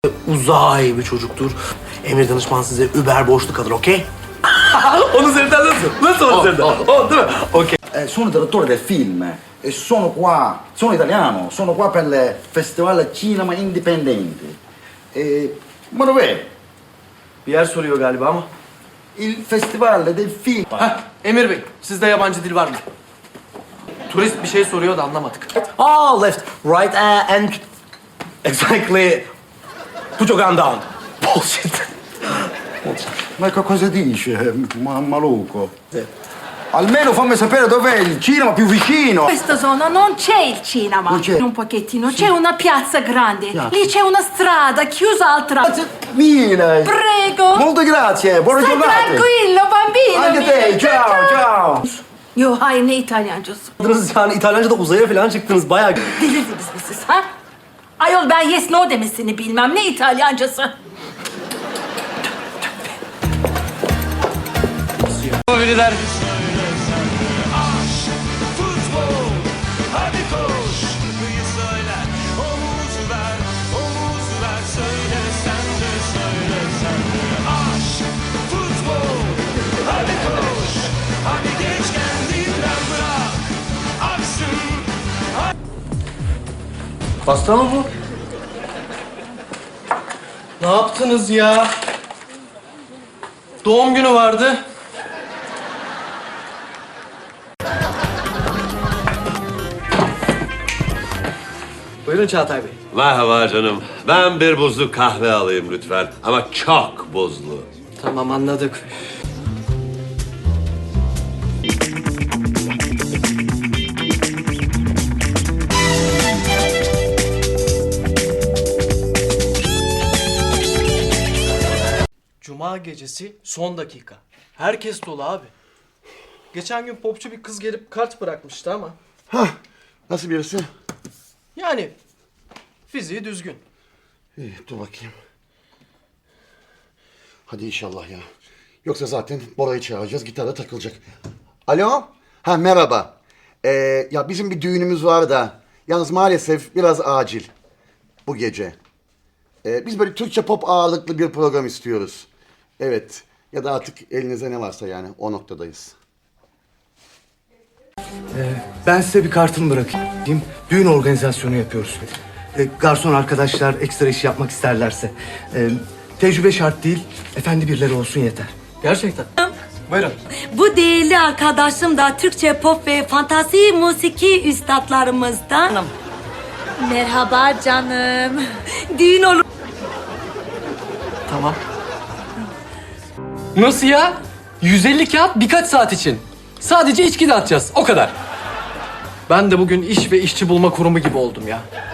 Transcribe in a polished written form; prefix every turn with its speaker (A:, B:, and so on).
A: uzay bir çocuktur. Emir danışman size über borçlu kalır, okey? Onun üzerinden nasıl? Nasıl onun üzerinden? O değil mi? Okey.
B: Sono direttore del film e sono qua, sono italiano, sono qua per il Festival Cinema Indipendente. Ma dov'è?
A: Bir yer soruyor galiba ama.
B: Il Festival del Film.
A: Heh, Emir Bey, sizde yabancı dil var mı? Turist bir şey soruyor da anlamadık. Ah, left, right and... Exactly. Put your gun down. Bullshit.
B: Ma cosa dice, maluco? Almeno fammi sapere dov'è il cinema più vicino.
C: In questa zona non c'è il cinema.
B: Non c'è.
C: Un pochettino, c'è una piazza grande.
B: Piazza.
C: Lì c'è una strada chiusa al traffico.
B: Mille.
C: Prego.
B: Molte grazie, buona
C: Stai
B: giornata.
C: tranquillo, bambino.
B: Anche te,
C: mio.
B: ciao, ciao.
C: Yo, hayır ne İtalyancası?
A: Yani İtalyanca'da uzaya falan çıktınız bayağı.
C: Delirdiniz mi siz ha? Ayol ben yes no demesini bilmem. Ne İtalyancası?
A: Biriler.
D: Futbol, hadi koş, şarkıyı söyle, omuz ver, söyle sen de söyle sen de. Aşk, futbol, hadi koş, hadi geç kendinden bırak, aksın.
A: Pasta mı bu? Ne yaptınız ya? Doğum günü vardı. Buyurun Çağatay Bey.
E: Merhaba canım. Ben bir buzlu kahve alayım lütfen. Ama çok buzlu.
A: Tamam anladık. Cuma gecesi son dakika. Herkes dolu abi. Geçen gün popçu bir kız gelip kart bırakmıştı ama.
B: Nasıl birisi?
A: Yani fiziği düzgün.
B: İyi, dur bakayım. Hadi inşallah ya. Yoksa zaten Bora'yı çağıracağız, gitarda takılacak. Alo? Ha merhaba. Ya bizim bir düğünümüz var da. Yalnız maalesef biraz acil. Bu gece. Biz böyle Türkçe pop ağırlıklı bir program istiyoruz. Evet. Ya da artık elinize ne varsa yani o noktadayız.
F: Ben size bir kartımı bırakayım. Düğün organizasyonu yapıyoruz. Garson arkadaşlar ekstra iş yapmak isterlerse. Tecrübe şart değil, efendi birileri olsun yeter.
A: Gerçekten. Buyurun.
G: Bu değerli arkadaşım da Türkçe pop ve fantasi musiki üstadlarımızdan. Merhaba canım. Düğün olur.
A: Tamam. Nasıl ya? 150 kağıt birkaç saat için. Sadece içki dağıtacağız. O kadar. Ben de bugün iş ve işçi bulma kurumu gibi oldum ya.